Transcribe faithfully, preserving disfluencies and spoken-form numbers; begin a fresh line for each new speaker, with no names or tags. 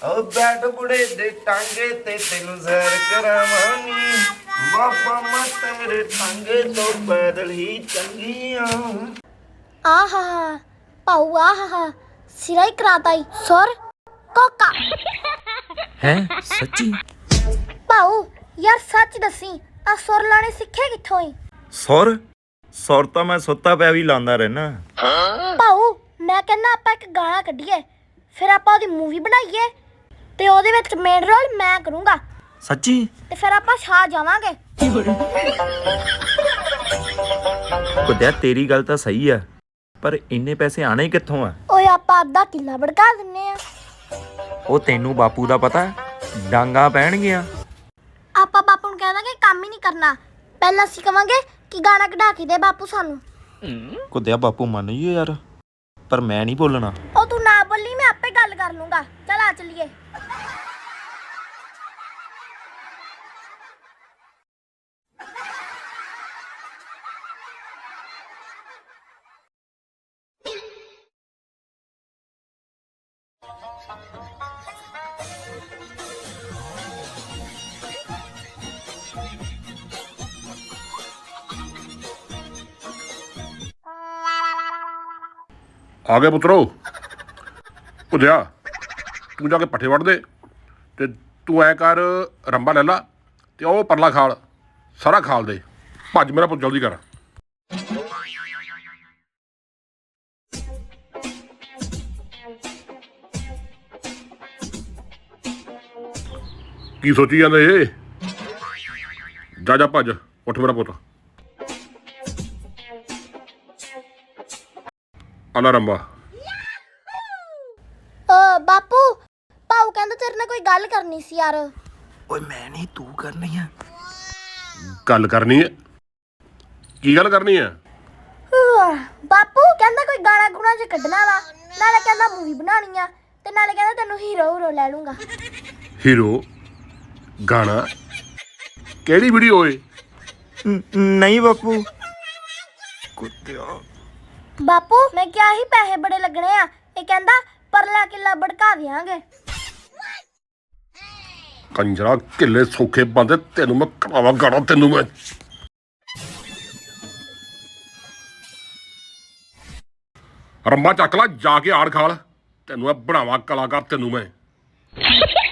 ਓ ਬੈਠ ਬੁੜੇ ਦੇ ਟਾਂਗੇ ਤੇ ਤੈਨੂੰ ਜ਼ਹਿਰ ਕਰਾਵਾਂਗੀ ਬਾਬਾ ਮਤ ਮੇਰੇ ਟਾਂਗੇ ਤੋਂ ਪੈਦਲ ਹੀ ਚੰਗੀਆਂ।
ਆਹਾ ਪਾਉ ਆਹਾ ਸਿਰਾ ਹੀ ਕਰਾਤਾ ਈ ਸੁਰ ਕੋਕਾ
ਹੈ ਸੱਚੀ?
ਪਾਉ ਯਾਰ ਸੱਚ ਦੱਸੀ ਆ ਸੁਰ ਲਾਣੇ ਸਿੱਖੇ ਕਿੱਥੋਂ ਈ?
ਸੁਰ ਸੁਰ ਤਾਂ ਮੈਂ ਸੁੱਤਾ ਪਿਆ ਵੀ ਲਾਉਂਦਾ ਰਹਿਣਾ।
ਪਾਉ ਮੈਂ ਕਹਿੰਦਾ ਆਪਾਂ ਇੱਕ ਗਾਣਾ ਕੱਢੀਏ, ਫਿਰ ਆਪਾਂ ਉਹਦੀ ਮੂਵੀ ਬਣਾਈਏ ਤੇ ਉਹਦੇ ਵਿੱਚ ਮੇਨ ਰੋਲ ਮੈਂ ਕਰੂੰਗਾ।
ਸੱਚੀ?
ਤੇ ਫਿਰ ਆਪਾਂ ਛਾ ਜਾਵਾਂਗੇ।
ਕੁਦਿਆ ਤੇਰੀ ਗੱਲ ਤਾਂ ਸਹੀ ਆ, ਪਰ ਇੰਨੇ ਪੈਸੇ ਆਣੇ ਕਿੱਥੋਂ ਆ?
ਓਏ ਆਪਾਂ ਅੱਧਾ ਕਿੱਲਾ ਭੜਕਾ ਦਿੰਨੇ ਆ।
ਉਹ ਤੈਨੂੰ ਬਾਪੂ ਦਾ ਪਤਾ, ਡਾਂਗਾ ਪੈਣਗੀਆਂ।
ਆਪਾਂ ਬਾਪੂ ਨੂੰ ਕਹਿ ਦਾਂਗੇ ਕੰਮ ਹੀ ਨਹੀਂ ਕਰਨਾ, ਪਹਿਲਾਂ ਅਸੀਂ ਕਵਾਂਗੇ ਕਿ ਗਾਣਾ ਕਢਾ ਕੇ ਦੇ ਬਾਪੂ ਸਾਨੂੰ।
ਕੁਦਿਆ ਬਾਪੂ ਮੰਨ ਜੀ ਯਾਰ, ਪਰ ਮੈਂ ਨਹੀਂ ਬੋਲਣਾ।
ਉਹ ਤੂੰ ਨਾ ਬੋਲੀ, ਮੈਂ ਆਪੇ ਗੱਲ ਕਰ ਲੂੰਗਾ। ਚਲ ਆ ਚੱਲੀਏ।
ਆ ਗਏ ਪੁੱਤਰੋ। ਭੁੱਜਿਆ ਤੂੰ ਜਾ ਕੇ ਪੱਠੇ ਵੱਢ ਦੇ ਤੇ ਤੂੰ ਐ ਕਰ ਰੰਬਾ ਲੈ ਲਾ ਤੇ ਉਹ ਪਰਲਾ ਖਾਲ ਸਾਰਾ ਖਾਲ ਦੇ। ਭੱਜ ਮੇਰਾ ਪੁੱਤ ਜਲਦੀ ਕਰ। ਕੀ ਸੋਚੀ ਜਾਂਦੇ ਏ? ਜਾ ਜਾ ਭੱਜ, ਉੱਠ ਮੇਰਾ ਪੁੱਤ। ਆਲਾ ਰੰਬਾ।
ਓ ਬਾਪੂ ਪਾਉ ਕਹਿੰਦਾ ਤੇਰੇ ਨਾਲ ਕੋਈ ਗੱਲ ਕਰਨੀ ਸੀ ਯਾਰ।
ਓਏ ਮੈਂ ਨਹੀਂ, ਤੂੰ ਕਰਨੀ ਆ।
ਗੱਲ ਕਰਨੀ ਹੈ? ਕੀ ਗੱਲ ਕਰਨੀ ਹੈ?
ਬਾਪੂ ਕਹਿੰਦਾ ਕੋਈ ਗਾਣਾ ਗੁਣਾ ਚ ਕੱਢਣਾ ਵਾ, ਨਾਲੇ ਕਹਿੰਦਾ ਮੂਵੀ ਬਣਾਉਣੀ ਆ, ਤੇ ਨਾਲੇ ਕਹਿੰਦਾ ਤੈਨੂੰ ਹੀਰੋ ਹੀਰੋ ਲੈ ਲੂੰਗਾ।
ਹੀਰੋ ਗਾਣਾ? ਕਿਹੜੀ ਵੀਡੀਓ ਏ?
ਨਹੀਂ ਬਾਪੂ। ਕੁੱਤਿਆ
ਬਾਪੂ ਮੈਂ ਕਿਹਾ ਹੀ ਪੈਸੇ ਬੜੇ ਲੱਗਣੇ ਆ, ਇਹ ਕਹਿੰਦਾ ਪਰਲਾ ਕਿੱਲਾ ਭੜਕਾ ਦਿਆਂਗੇ।
ਕੰਜਰਾ ਕਿੱਲੇ ਸੌਖੇ ਬੰਦੇ, ਤੈਨੂੰ ਮੈਂ ਕਰਾਵਾ ਗਾਣਾ। ਤੈਨੂੰ ਮੈਂ ਰੰਬਾ ਚੱਕ ਲਾ ਜਾ ਕੇ ਆੜ ਖਾਲ, ਤੈਨੂੰ ਮੈਂ ਬਣਾਵਾ ਕਲਾਕਾਰ। ਤੈਨੂੰ ਮੈਂ